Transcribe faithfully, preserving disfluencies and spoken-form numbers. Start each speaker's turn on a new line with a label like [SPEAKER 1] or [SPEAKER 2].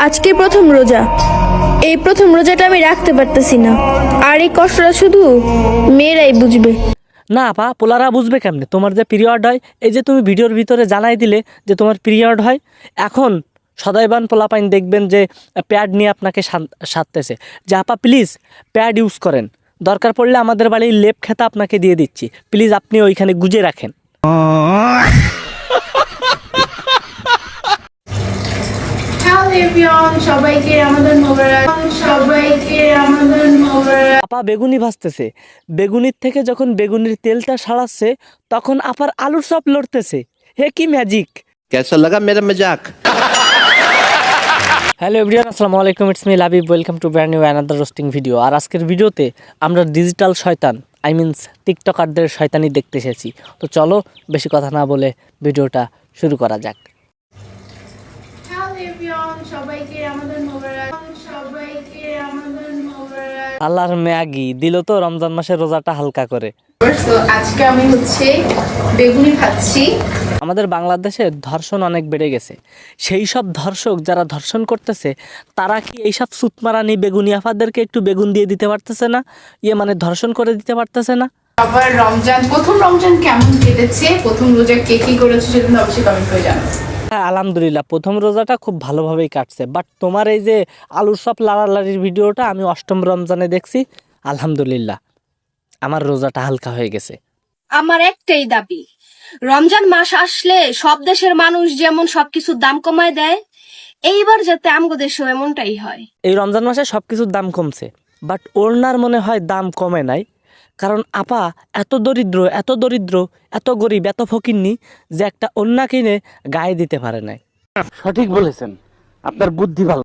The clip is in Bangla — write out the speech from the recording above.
[SPEAKER 1] আজকে প্রথম রোজা। এই প্রথম রোজাটা আমি রাখতে পারতেছি না, আর এই কষ্টটা শুধু মেয়েরাই বুঝবে।
[SPEAKER 2] না আপা, পোলারা বুঝবে কেমনে তোমার যে পিরিয়ড হয়? এই যে তুমি ভিডিওর ভিতরে জানাই দিলে যে তোমার পিরিয়ড হয়, এখন সদাইবান পোলাপাইন দেখবেন যে প্যাড নিয়ে আপনাকে সাধতেছে যে আপা প্লিজ প্যাড ইউজ করেন, দরকার পড়লে আমাদের বাড়ির লেপ খেতা আপনাকে দিয়ে দিচ্ছি, প্লিজ আপনি ওইখানে গুজে রাখেন।
[SPEAKER 1] সবাইকে আমাদের সবাইকে আমাদের
[SPEAKER 2] আপা বেগুনি ভাজতেছে, বেগুনির থেকে যখন বেগুনির তেলটা সারাচ্ছে তখন আপার আলুর চপ লড়তেছে। হে কি ম্যাজিক!
[SPEAKER 3] कैसा लगा मेरा मजाक?
[SPEAKER 2] হ্যালো এভরিওয়ান, আসসালামু আলাইকুম, it's me Labib, welcome to brand new another roasting video. আর আজকের ভিডিওতে আমরা ডিজিটাল শয়তান আই মিনস টিকটকারদের শয়তানি দেখতে এসেছি। তো চলো বেশি কথা না বলে ভিডিওটা শুরু করা যাক।
[SPEAKER 1] সবাইকে আমাদের সবাইকে আমাদের
[SPEAKER 2] আল্লাহর ম্যাগি দিল তো রমজান মাসে রোজাটা হালকা করে।
[SPEAKER 1] আজকে আমি হচ্ছে বেগুনি খাচ্ছি।
[SPEAKER 2] আমাদের বাংলাদেশে ধর্ষণ অনেক বেড়ে গেছে, সেই সব ধর্ষক যারা ধর্ষণ করতেছে তারা কি এইসব সুতমারানি বেগুনি আফাদেরকে একটু বেগুন দিয়ে দিতে পারতেছে না? ইয়ে মানে ধর্ষণ করে দিতে পারতেছে না?
[SPEAKER 4] আবার রমজান, প্রথম রমজান কেমন কেটেছে, প্রথম রোজা কে কি করেছে সেটা অবশ্যই কমেন্ট করে জানাবেন।
[SPEAKER 2] হ্যাঁ আলহামদুলিল্লাহ, প্রথম রোজাটা খুব ভালোভাবেই কাটছে, বাট তোমার এই যে আলুর সব লাড়ালাড়ির ভিডিওটা আমি অষ্টম রমজানে দেখছি, আলহামদুলিল্লাহ আমার রোজাটা হালকা হয়ে গেছে।
[SPEAKER 5] আমার একটাই দাবি, রমজান মাস আসলে সব দেশের মানুষ যেমন সবকিছুর দাম কমায় দেয়, এইবার যাতে আমগো দেশেও এমনটাই হয়।
[SPEAKER 2] এই রমজান মাসে সব কিছুর দাম কমছে, বাট ওড়নার মনে হয় দাম কমে নাই, কারণ আপা এত দরিদ্র এত দরিদ্র এত গরিব এত ফকিন্নি যে একটা ওড়না কিনে গায়ে দিতে পারে নাই।
[SPEAKER 6] সঠিক বলেছেন, আপনার বুদ্ধি ভালো।